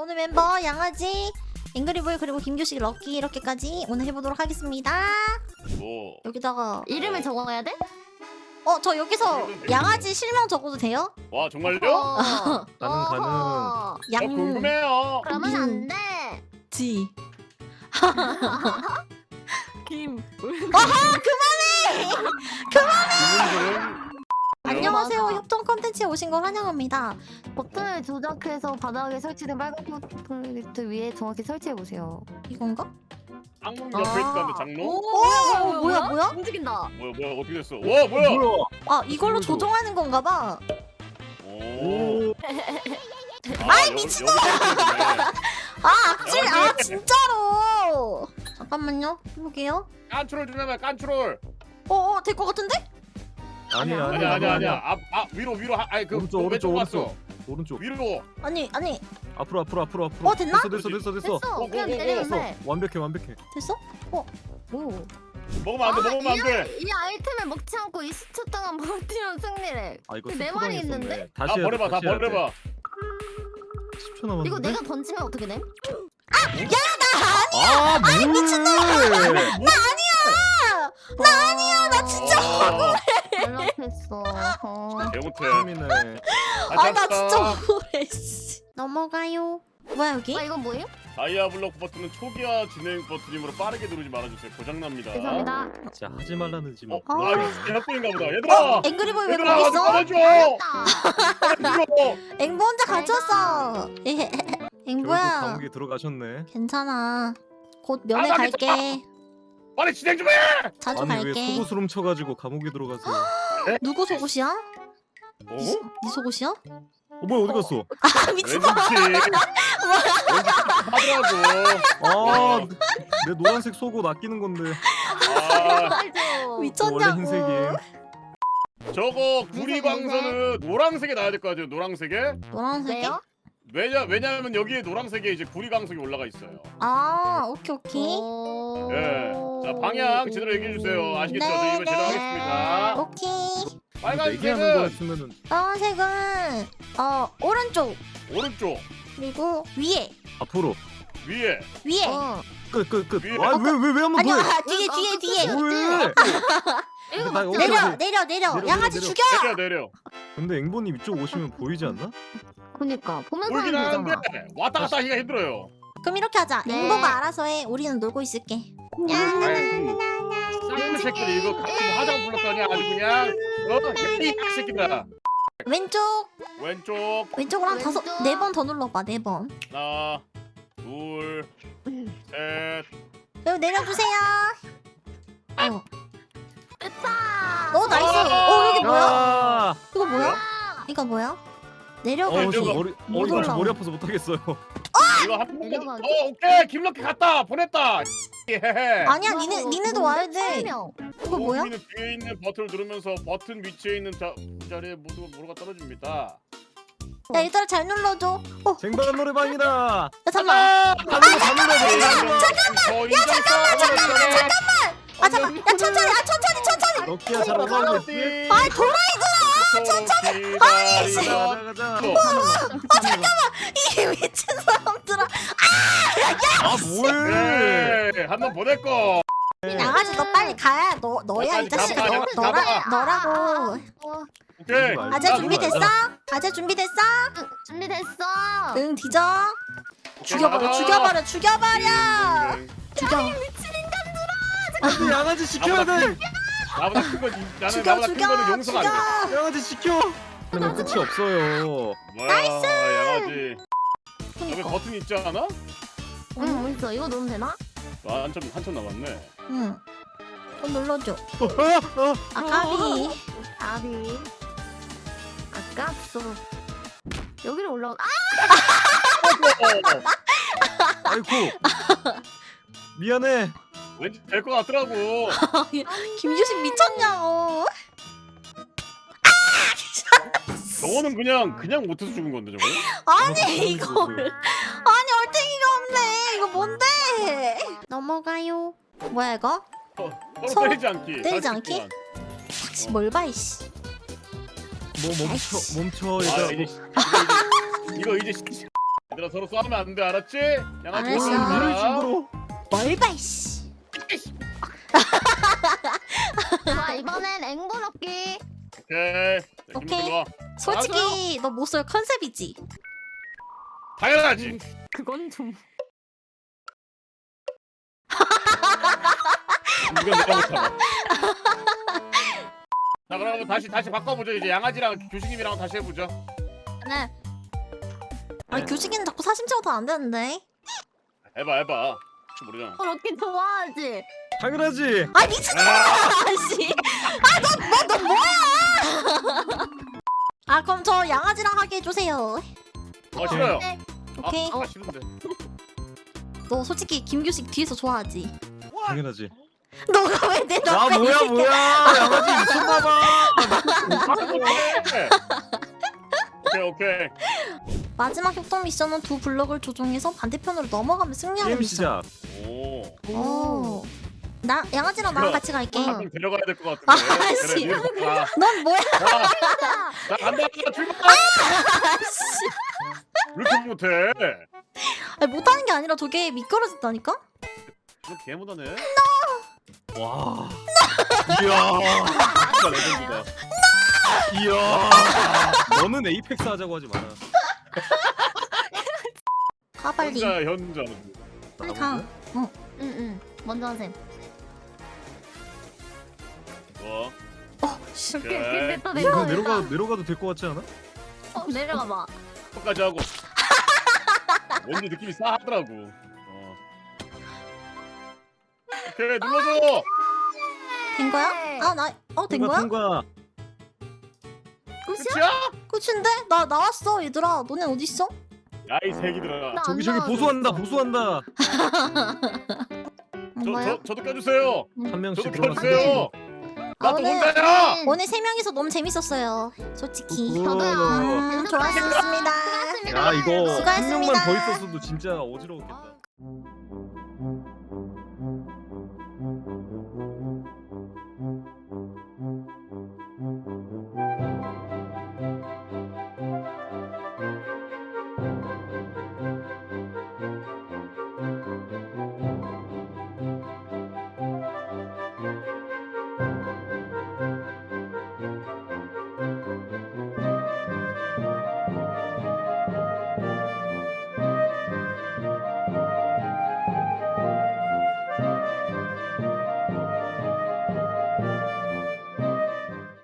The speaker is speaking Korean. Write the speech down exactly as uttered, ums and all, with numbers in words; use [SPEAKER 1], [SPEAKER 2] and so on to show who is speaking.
[SPEAKER 1] 오늘 멤버 양아지, 앵그리볼 그리고 김규식, 럭키 이렇게까지 오늘 해보도록 하겠습니다.
[SPEAKER 2] 뭐
[SPEAKER 1] 여기다가
[SPEAKER 3] 이름을 적어야 돼?
[SPEAKER 1] 어 저 여기서 양아지 실명 적어도 돼요?
[SPEAKER 2] 와 정말요?
[SPEAKER 3] 어.
[SPEAKER 4] 가능, 가능.
[SPEAKER 3] 어허.
[SPEAKER 2] 어,
[SPEAKER 1] 양
[SPEAKER 2] 궁금해요.
[SPEAKER 3] 그러면
[SPEAKER 1] 음.
[SPEAKER 3] 안 돼.
[SPEAKER 1] 지.
[SPEAKER 3] 김.
[SPEAKER 2] 이분들은
[SPEAKER 1] 안녕하세요.
[SPEAKER 3] 맞아.
[SPEAKER 1] 협동 컨텐츠에 오신 걸 환영합니다.
[SPEAKER 3] 버튼을 조작해서 바닥에 설치된 빨간 플레이리스트 위에 정확히 설치해 보세요.
[SPEAKER 1] 이건가?
[SPEAKER 2] 악몽 옆에 있다는데 장로?
[SPEAKER 1] 오, 오, 뭐야 뭐야?
[SPEAKER 3] 움직인다.
[SPEAKER 2] 뭐야 뭐야 어떻게 됐어? 와 뭐야?
[SPEAKER 4] 뭐야?
[SPEAKER 1] 아 이걸로
[SPEAKER 4] 이걸로.
[SPEAKER 1] 조종하는 건가 봐.
[SPEAKER 2] 오.
[SPEAKER 4] 오.
[SPEAKER 2] 아이 미친놈아!
[SPEAKER 1] 아 악질 아 진짜로. 잠깐만요. 해볼게요.
[SPEAKER 2] 깐트롤 좀 해봐 깐트롤.
[SPEAKER 1] 어어 될 것 같은데?
[SPEAKER 4] 아니 아니
[SPEAKER 2] 아니야 아니야 아니야. 앞, 앞 위로 위로 하, 아니 그
[SPEAKER 4] 오른쪽,
[SPEAKER 2] 왼쪽
[SPEAKER 4] 오른쪽,
[SPEAKER 2] 갔어.
[SPEAKER 4] 오른쪽.
[SPEAKER 2] 위로.
[SPEAKER 1] 아니 아니
[SPEAKER 4] 앞으로 앞으로 앞으로 앞으로.
[SPEAKER 1] 어, 됐나?
[SPEAKER 4] 됐어 됐어 됐어 됐어.
[SPEAKER 3] 됐어.
[SPEAKER 2] 어,
[SPEAKER 3] 그냥
[SPEAKER 2] 어, 어,
[SPEAKER 3] 때리면
[SPEAKER 4] 됐어.
[SPEAKER 3] 돼.
[SPEAKER 4] 완벽해 완벽해.
[SPEAKER 1] 됐어?
[SPEAKER 3] 오.
[SPEAKER 2] 먹으면 안 돼. 먹으면 안
[SPEAKER 3] 이,
[SPEAKER 2] 돼.
[SPEAKER 3] 아이, 이 아이템을 먹지 않고 이십 초 동안 버티면 승리래.
[SPEAKER 4] 아 이거
[SPEAKER 3] 내
[SPEAKER 4] 스포
[SPEAKER 3] 말이
[SPEAKER 4] 당했었네.
[SPEAKER 3] 있는데?
[SPEAKER 4] 다시
[SPEAKER 2] 다
[SPEAKER 4] 해야 돼,
[SPEAKER 2] 버려봐. 다
[SPEAKER 4] 다시 해야 돼.
[SPEAKER 2] 버려봐.
[SPEAKER 4] 십 초 남았는데.
[SPEAKER 3] 이거 내가 던지면 어떻게 돼?
[SPEAKER 4] 아 미친놈아.
[SPEAKER 1] 나 아니야 나 진짜
[SPEAKER 2] 아,
[SPEAKER 3] 연락했어. 어.
[SPEAKER 2] 개못해.
[SPEAKER 4] 재미네.
[SPEAKER 1] 아 나 진짜 억울해 씨. 넘어가요. 뭐야 여기?
[SPEAKER 3] 아 이건 뭐예요?
[SPEAKER 2] 다이아블록 버튼은 초기화 진행 버튼이므로 빠르게 누르지 말아주세요. 고장납니다.
[SPEAKER 3] 죄송합니다.
[SPEAKER 4] 진짜 하지 말라는 지 뭐.
[SPEAKER 2] 어? 아 이거 대학교인가 보다.
[SPEAKER 1] 어?
[SPEAKER 2] 얘들아!
[SPEAKER 1] 앵그리볼 왜
[SPEAKER 2] 얘들아
[SPEAKER 1] 거기
[SPEAKER 2] 어디
[SPEAKER 1] 있어?
[SPEAKER 2] 꺼내줘!
[SPEAKER 3] 아,
[SPEAKER 2] 꺼내줘!
[SPEAKER 1] 앵보 혼자 갇혔어. 예.
[SPEAKER 4] 결국
[SPEAKER 1] 앵보야
[SPEAKER 4] 감옥에 들어가셨네.
[SPEAKER 1] 괜찮아. 곧 면회
[SPEAKER 2] 아, 나
[SPEAKER 1] 갈게.
[SPEAKER 2] 빨리 진행 좀 해!
[SPEAKER 1] 자주
[SPEAKER 4] 아니 왜
[SPEAKER 1] 갈게.
[SPEAKER 4] 속옷을 훔쳐가지고 감옥에 들어가세요?
[SPEAKER 1] 누구 속옷이야?
[SPEAKER 2] 어?
[SPEAKER 1] 네, 네 속옷이야?
[SPEAKER 4] 어 뭐야 어디 갔어?
[SPEAKER 1] 아
[SPEAKER 2] 왠지
[SPEAKER 1] 미친.
[SPEAKER 2] 왠지 하더라고.
[SPEAKER 4] 아내 노란색 속옷 아끼는 건데.
[SPEAKER 2] 아
[SPEAKER 3] 알죠.
[SPEAKER 4] 원래
[SPEAKER 1] 미쳤냐고.
[SPEAKER 4] 흰색이에요.
[SPEAKER 2] 저거 구리광선은 노란색에 나야 될 것 같아요. 노란색에.
[SPEAKER 1] 노란색이?
[SPEAKER 3] 왜요?
[SPEAKER 2] 왜냐 왜냐하면 여기에 노란색에 이제 구리광석이 올라가 있어요.
[SPEAKER 1] 아 오케이 오케이.
[SPEAKER 3] 오.
[SPEAKER 2] 예. 자 방향 제대로 얘기해 주세요. 아시겠죠? 저
[SPEAKER 1] 네,
[SPEAKER 2] 이번 제대로
[SPEAKER 1] 네.
[SPEAKER 2] 하겠습니다.
[SPEAKER 1] 오케이.
[SPEAKER 4] 얘기하는
[SPEAKER 2] 빨간색은
[SPEAKER 4] 거였으면은
[SPEAKER 1] 노란색은 어 오른쪽
[SPEAKER 2] 오른쪽
[SPEAKER 1] 그리고 위에
[SPEAKER 4] 앞으로
[SPEAKER 2] 위에
[SPEAKER 1] 위에.
[SPEAKER 3] 어.
[SPEAKER 4] 끝 끝 끝.
[SPEAKER 2] 위에.
[SPEAKER 4] 아왜왜 왜 한 번 더 해?
[SPEAKER 1] 아니야 뒤에
[SPEAKER 3] 아,
[SPEAKER 1] 뒤에
[SPEAKER 3] 그
[SPEAKER 1] 뒤에.
[SPEAKER 3] 끝이야.
[SPEAKER 4] 왜?
[SPEAKER 3] 이거
[SPEAKER 4] 나
[SPEAKER 3] 맞지?
[SPEAKER 4] 여기-
[SPEAKER 1] 내려
[SPEAKER 4] 오케이.
[SPEAKER 1] 내려 내려.
[SPEAKER 4] 내려,
[SPEAKER 1] 양아지
[SPEAKER 4] 내려.
[SPEAKER 1] 죽여.
[SPEAKER 2] 내려 내려.
[SPEAKER 4] 근데 앵보님 이쪽 오시면 보이지 않나?
[SPEAKER 3] 그니까 보면서
[SPEAKER 2] 울긴
[SPEAKER 3] 하면
[SPEAKER 2] 하는데
[SPEAKER 3] 되잖아.
[SPEAKER 2] 왔다 갔다 하기가 힘들어요.
[SPEAKER 1] 그럼 이렇게 하자.
[SPEAKER 3] 네.
[SPEAKER 1] 앵보가 알아서 해. 우리는 놀고 있을게.
[SPEAKER 2] 쌍놈 새끼들 이거 같이 뭐 화장 불렀더니 아주 그냥 어? 이 새끼들아.
[SPEAKER 1] 왼쪽
[SPEAKER 2] 왼쪽
[SPEAKER 1] 왼쪽으로 한 다섯
[SPEAKER 3] 왼쪽.
[SPEAKER 1] 네 번 더 눌러봐. 네 번.
[SPEAKER 2] 하나 둘셋
[SPEAKER 1] 그리고 내려주세요. 어.
[SPEAKER 3] 됐다.
[SPEAKER 1] 어 나이스. 어 여기 뭐야?
[SPEAKER 4] 아!
[SPEAKER 1] 이거 뭐야?
[SPEAKER 3] 아,
[SPEAKER 1] 이거 뭐야?
[SPEAKER 4] 어,
[SPEAKER 1] 내려가.
[SPEAKER 4] 저
[SPEAKER 2] 저거
[SPEAKER 4] 머리
[SPEAKER 1] 못
[SPEAKER 4] 어, 이거 저
[SPEAKER 1] 올라와.
[SPEAKER 4] 머리 아파서 못 하겠어요.
[SPEAKER 2] 이거 한 번.
[SPEAKER 3] 내려가기.
[SPEAKER 2] 어 오케이 김럭키 갔다 보냈다. 예.
[SPEAKER 1] 아니야
[SPEAKER 3] 이거
[SPEAKER 1] 니네
[SPEAKER 3] 뭐
[SPEAKER 1] 니네도 와야 돼.
[SPEAKER 3] 설명.
[SPEAKER 1] 이거 뭐야?
[SPEAKER 2] 우리는 뒤에 있는 버튼을 누르면서 버튼 위치에 있는 자, 자리에 모두가 모두가 떨어집니다.
[SPEAKER 1] 야 얘들아 잘 눌러줘. 어
[SPEAKER 4] 쟁반 노래방이다.
[SPEAKER 1] 야, 잠깐만.
[SPEAKER 4] 다 눌러 다 눌러.
[SPEAKER 2] 잠깐만. 야 잠깐만 잠깐만 잠깐만.
[SPEAKER 1] 아 잠깐. 야 천천히. 아 천천히 천천히.
[SPEAKER 4] 럭키야 잘하는데.
[SPEAKER 2] 아
[SPEAKER 1] 도라이구나.
[SPEAKER 2] 천천히.
[SPEAKER 4] 가자 가자.
[SPEAKER 1] 아 잠깐만. 이 미친 사람들아.
[SPEAKER 4] 아 뭐해?
[SPEAKER 2] 네, 한번 보낼 거.
[SPEAKER 1] 양아지 너 빨리 가야. 너 너야 이 자식아. 너
[SPEAKER 2] 가봐,
[SPEAKER 1] 너라
[SPEAKER 2] 가봐.
[SPEAKER 1] 너라고.
[SPEAKER 3] 어,
[SPEAKER 2] 오케이.
[SPEAKER 1] 아재
[SPEAKER 4] 아,
[SPEAKER 1] 준비됐어? 아재 준비됐어?
[SPEAKER 3] 응, 준비됐어.
[SPEAKER 1] 응 뒤져. 죽여버려 죽여버려 죽여버려. 죽여.
[SPEAKER 4] 안돼 양아지 지켜야 돼.
[SPEAKER 2] 나보다 큰건 나는
[SPEAKER 1] 죽여
[SPEAKER 2] 나보다 큰
[SPEAKER 1] 죽여
[SPEAKER 2] 거는 용서가 안 돼.
[SPEAKER 1] 죽여.
[SPEAKER 4] 양아지 지켜. 그러면 끝이 없어요.
[SPEAKER 2] 나이스. 양아지. 여기
[SPEAKER 1] 그니까.
[SPEAKER 2] 버튼 있지 않아?
[SPEAKER 3] 응, 뭐 있어? 이거 넣으면 되나?
[SPEAKER 2] 아, 한참 한참 남았네.
[SPEAKER 1] 응. 또 눌러줘.
[SPEAKER 4] 어, 어, 어.
[SPEAKER 1] 아 까비.
[SPEAKER 3] 아비. 아깝소. 여기로 올라온. 아!
[SPEAKER 4] 아이고. 미안해.
[SPEAKER 2] 왠지 될 것 같더라고.
[SPEAKER 1] 김규식 미쳤냐고.
[SPEAKER 2] 저거는 그냥 그냥 못해서 죽은 건데 저거.
[SPEAKER 1] 아니 이걸. 아니 얼탱이가 없네. 이거 뭔데? 넘어가요. 뭐야 이거?
[SPEAKER 2] 서로
[SPEAKER 1] 서로
[SPEAKER 2] 때리지 않기.
[SPEAKER 1] 때리지 않기? 씨, 뭘 봐 이씨.
[SPEAKER 4] 뭐 멈춰 멈춰
[SPEAKER 2] 아
[SPEAKER 4] 얘들아.
[SPEAKER 2] 이제 씨, 이거 이제 이거 이제 씨, 얘들아 서로 싸우면 안 돼, 알았지? 양아지
[SPEAKER 1] 알았어.
[SPEAKER 2] 싸우지 마라.
[SPEAKER 4] 이런 식으로.
[SPEAKER 1] 뭘봐 이씨.
[SPEAKER 3] 자 이번엔 앵보 넣기.
[SPEAKER 2] 오케이. 자,
[SPEAKER 1] 오케이.
[SPEAKER 2] 김 들어와.
[SPEAKER 1] 솔직히 너 목소리 컨셉이지.
[SPEAKER 2] 당연하지.
[SPEAKER 3] 그건 좀.
[SPEAKER 2] 이건 내가 못 참아. 자 그럼 다시 다시 바꿔보죠. 이제 양아지랑 교수님이랑 다시 해보죠.
[SPEAKER 3] 네.
[SPEAKER 1] 아니 교식이는 자꾸 사심 채워도 안 되는데.
[SPEAKER 2] 해봐 해봐. 혹시 모르잖아.
[SPEAKER 3] 어 넣기 좋아하지.
[SPEAKER 4] 당연하지.
[SPEAKER 1] 아 미친놈아 씨. 아너너너 너 뭐야? 아 그럼 저 양아지랑 하게 해주세요.
[SPEAKER 2] 아 싫어요.
[SPEAKER 3] 네.
[SPEAKER 1] 오케이.
[SPEAKER 2] 아, 아 싫은데.
[SPEAKER 1] 너 솔직히 김규식 뒤에서 좋아하지?
[SPEAKER 4] 당연하지.
[SPEAKER 1] 너가 왜내
[SPEAKER 4] 아
[SPEAKER 1] 옆에
[SPEAKER 4] 뭐야
[SPEAKER 1] 있을까?
[SPEAKER 4] 뭐야. 양아지 미쳤나봐.
[SPEAKER 2] 오케이 오케이.
[SPEAKER 1] 마지막 협동 미션은 두 블럭을 조종해서 반대편으로 넘어가면 승리하는
[SPEAKER 4] 게임
[SPEAKER 1] 미션.
[SPEAKER 4] 시작.
[SPEAKER 2] 오.
[SPEAKER 1] 오. 나 양아지랑 나랑 같이 갈게.
[SPEAKER 2] 한 명 데려가야 될 것 같은데.
[SPEAKER 1] 아,
[SPEAKER 2] 그래
[SPEAKER 1] 씨.
[SPEAKER 2] 니가 가.
[SPEAKER 1] 넌 뭐야?
[SPEAKER 2] 자, 자 간다 출발.
[SPEAKER 1] 씨.
[SPEAKER 2] 왜 이렇게 못해?
[SPEAKER 1] 아니, 못하는 게 아니라 저게 미끄러졌다니까?
[SPEAKER 2] 너 개못하네.
[SPEAKER 4] 와. 이야.
[SPEAKER 2] 진짜 레전드다.
[SPEAKER 4] 이야. 너는 에이펙스 하자고 하지 마라.
[SPEAKER 1] 가 빨리.
[SPEAKER 2] 현자 현자.
[SPEAKER 1] 빨리 가.
[SPEAKER 3] 응응. 먼저 하셈.
[SPEAKER 2] 뭐?
[SPEAKER 1] 어, 씨.
[SPEAKER 3] 오케이 오케이
[SPEAKER 2] 오케이.
[SPEAKER 3] 됐다
[SPEAKER 4] 이거
[SPEAKER 3] 됐다.
[SPEAKER 4] 내려가 내려가도 될 것 같지 않아?
[SPEAKER 3] 어, 내려가 봐.
[SPEAKER 2] 끝까지 하고. 왠지 느낌이 싸하더라고. 어. 오케이 눌러줘.
[SPEAKER 1] 된 거야? 아, 나, 어, 된 거야?
[SPEAKER 4] 통과.
[SPEAKER 3] 끝이야?
[SPEAKER 2] 끝이야?
[SPEAKER 1] 끝인데? 나 나왔어, 얘들아. 너네 어딨어?
[SPEAKER 2] 야이 새끼들아.
[SPEAKER 3] 나-
[SPEAKER 4] 저기
[SPEAKER 3] 안
[SPEAKER 4] 저기
[SPEAKER 3] 나와도
[SPEAKER 4] 보수한다 보수한다.
[SPEAKER 2] 저,
[SPEAKER 1] 뭐야?
[SPEAKER 2] 저 저도 껴주세요.
[SPEAKER 4] 한 명씩
[SPEAKER 2] 저도
[SPEAKER 4] 들어가.
[SPEAKER 2] 껴주세요.
[SPEAKER 1] 아,
[SPEAKER 2] 나도
[SPEAKER 1] 오늘-
[SPEAKER 2] 혼자야.
[SPEAKER 1] 오늘 세 명이서 너무 재밌었어요. 솔직히.
[SPEAKER 3] 저도요.
[SPEAKER 1] 음, 좋았습니다.
[SPEAKER 3] 수고하셨습니다.
[SPEAKER 4] 야 이거 한
[SPEAKER 1] 수고하셨습니다.
[SPEAKER 4] 명만 더 있었어도 진짜 어지러웠겠다.